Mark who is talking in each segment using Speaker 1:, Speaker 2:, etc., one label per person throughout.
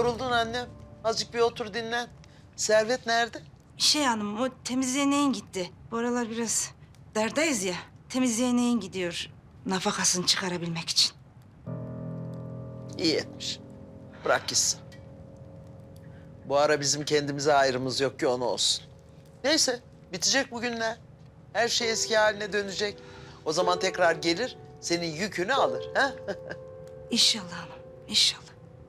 Speaker 1: Yoruldun annem. Azıcık bir otur dinlen. Servet nerede?
Speaker 2: Hanım, o temizliğe neyin gitti? Bu aralar biraz derdayız ya. Temizliğe neyin gidiyor nafakasını çıkarabilmek için.
Speaker 1: İyi etmiş. Bırak gitsin. Bu ara bizim kendimize ayrımız yok ki onu olsun. Neyse, bitecek bugünler. Her şey eski haline dönecek. O zaman tekrar gelir, senin yükünü alır. Ha?
Speaker 2: İnşallah hanım, inşallah.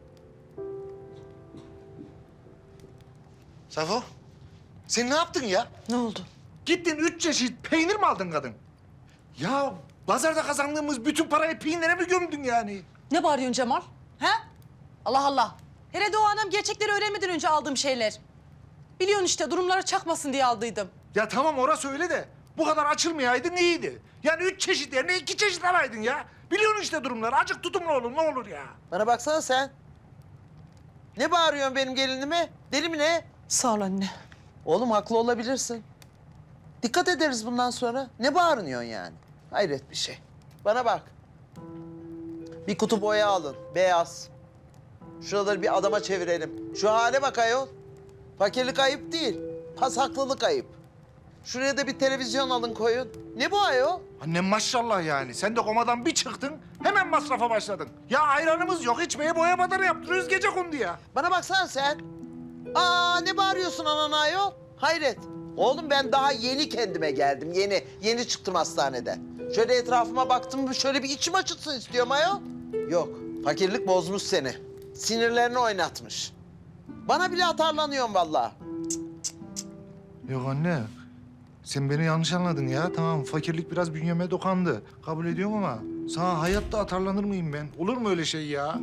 Speaker 3: Safo, sen ne yaptın ya?
Speaker 1: Ne oldu?
Speaker 3: Gittin 3 çeşit peynir mi aldın kadın? Ya pazarda kazandığımız bütün parayı peynire mi gömdün yani?
Speaker 4: Ne bağırıyorsun Cemal? He? Allah Allah. Herhalde o anam gerçekleri öğrenmeden önce aldığım şeyler. Biliyorsun işte durumlara çakmasın diye aldıydım.
Speaker 3: Ya tamam orası öyle de bu kadar açılmayaydın iyiydi. Yani 3 çeşit yerine 2 çeşit alaydın ya. Biliyorsun işte durumları. Azıcık tutumlu olun ne olur ya.
Speaker 1: Bana baksana sen. Ne bağırıyorsun benim gelinime? Deli mi ne?
Speaker 4: Sağ ol anne.
Speaker 1: Oğlum haklı olabilirsin. Dikkat ederiz bundan sonra. Ne bağırıyorsun yani? Hayret bir şey. Bana bak. Bir kutu boya alın, beyaz. Şuraları bir adama çevirelim. Şu hale bak ayol. Fakirlik ayıp değil, pasaklılık ayıp. Şuraya da bir televizyon alın koyun. Ne bu ayol?
Speaker 3: Annem maşallah yani. Sen de komadan bir çıktın hemen masrafa başladın. Ya ayranımız yok içmeye boya badarı yaptırıyoruz gecekondu ya.
Speaker 1: Bana baksana sen. Aa ne bağırıyorsun anana ayol? Hayret. Oğlum ben daha yeni kendime geldim. Yeni çıktım hastaneden. Şöyle etrafıma baktım, şöyle bir içim açılsın istiyorum ayol. Yok, fakirlik bozmuş seni. Sinirlerini oynatmış. Bana bile atarlanıyorsun vallahi.
Speaker 3: Yok anne. Sen beni yanlış anladın ya. Tamam fakirlik biraz bünyeme dokandı. Kabul ediyorum ama sana hayatta atarlanır mıyım ben? Olur mu öyle şey ya?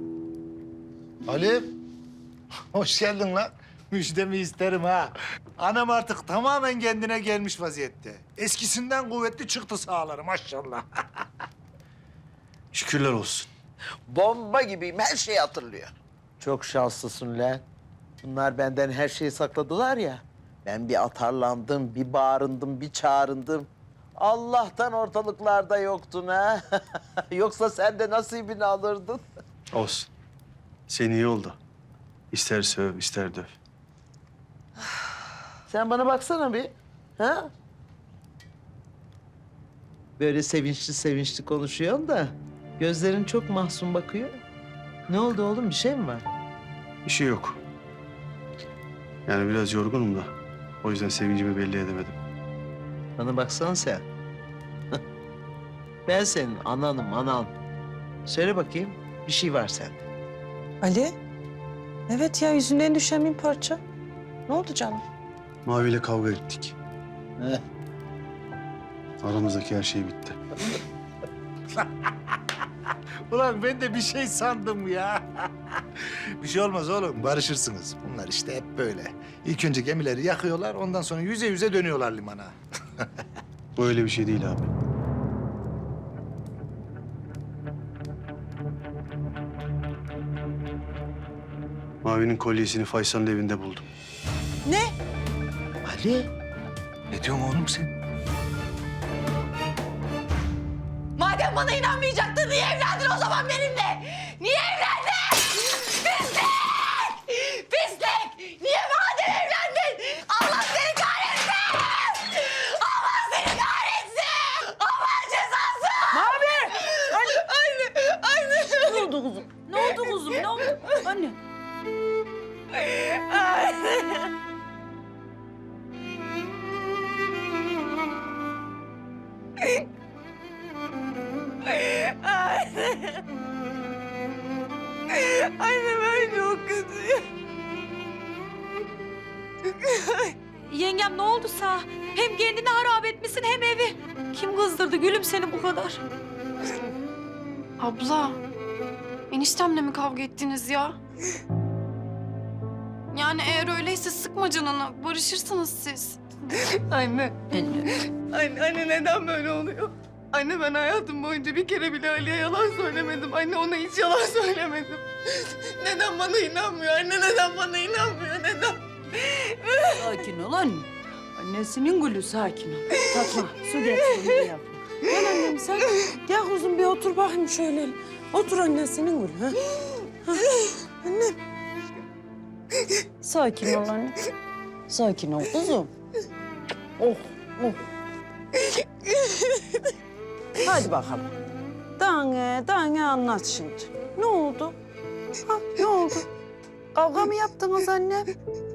Speaker 3: Ali. Hoş geldin lan. Müjdemi isterim ha. Anam artık tamamen kendine gelmiş vaziyette. Eskisinden kuvvetli çıktı sağları maşallah.
Speaker 5: Şükürler olsun.
Speaker 1: Bomba gibiyim, her şeyi hatırlıyor. Çok şanslısın lan. Bunlar benden her şeyi sakladılar ya. Ben bir atarlandım, bir bağırındım, bir çağrındım. Allah'tan ortalıklarda yoktun ha. Yoksa sen de nasibini alırdın.
Speaker 5: Olsun. Sen iyi oldu. İster söv, ister döv.
Speaker 1: Sen bana baksana bir. Ha? Böyle sevinçli sevinçli konuşuyorsun da gözlerin çok mahzun bakıyor. Ne oldu oğlum, bir şey mi var?
Speaker 5: Bir şey yok. Yani biraz yorgunum da. O yüzden sevincimi belli edemedim.
Speaker 1: Bana baksana sen. Ben senin ananım, anan. Söyle bakayım, bir şey var sende.
Speaker 4: Ali? Evet ya yüzünden düşen bir parça. Ne oldu canım?
Speaker 5: Mavi ile kavga ettik.
Speaker 1: Heh.
Speaker 5: Aramızdaki her şey bitti.
Speaker 3: Ulan ben de bir şey sandım ya. Bir şey olmaz oğlum, barışırsınız. Bunlar işte hep böyle. İlk önce gemileri yakıyorlar, ondan sonra yüze yüze dönüyorlar limana.
Speaker 5: Bu öyle bir şey değil abi. Mavi'nin kolyesini Faysal'ın evinde buldum.
Speaker 4: Ne?
Speaker 1: Ali,
Speaker 3: Ne diyorsun oğlum sen?
Speaker 4: Madem bana inanmayacaktın niye evlendin o zaman benimle? Niye evlendin? Pislik! Pislik! Niye madem evlendin? Allah seni kahretsin! Allah seni kahretsin! Allah cezası! Mavi! Anne!
Speaker 2: Ne oldu kuzum? Ne oldu kuzum? Ne oldu? Anne.
Speaker 4: Anne ben çok kötüyüm.
Speaker 2: Yengem ne oldu sana? Hem kendini harap etmişsin hem evi. Kim kızdırdı gülüm seni bu kadar?
Speaker 6: Abla, eniştemle mi kavga ettiniz ya? Yani eğer öyleyse sıkma canını, barışırsınız siz.
Speaker 4: Anne. Anne neden böyle oluyor? Anne ben hayatım boyunca bir kere bile Ali'ye yalan söylemedim. Anne ona hiç yalan söylemedim. Neden bana inanmıyor? Anne neden bana inanmıyor? Neden?
Speaker 2: Sakin ol anne. Annesinin gülü sakin ol. Tatma su getir bir yap.
Speaker 7: Gel annem sen. Gel kuzum bir otur bakayım şöyle. Otur annesinin gülü. Ha? Ha. Annem. Sakin ol anne. Sakin ol kuzum. Oh, oh. Hadi bakalım. Dane anlat şimdi. Ne oldu? Ha, ne oldu? Kavga mı yaptınız annem?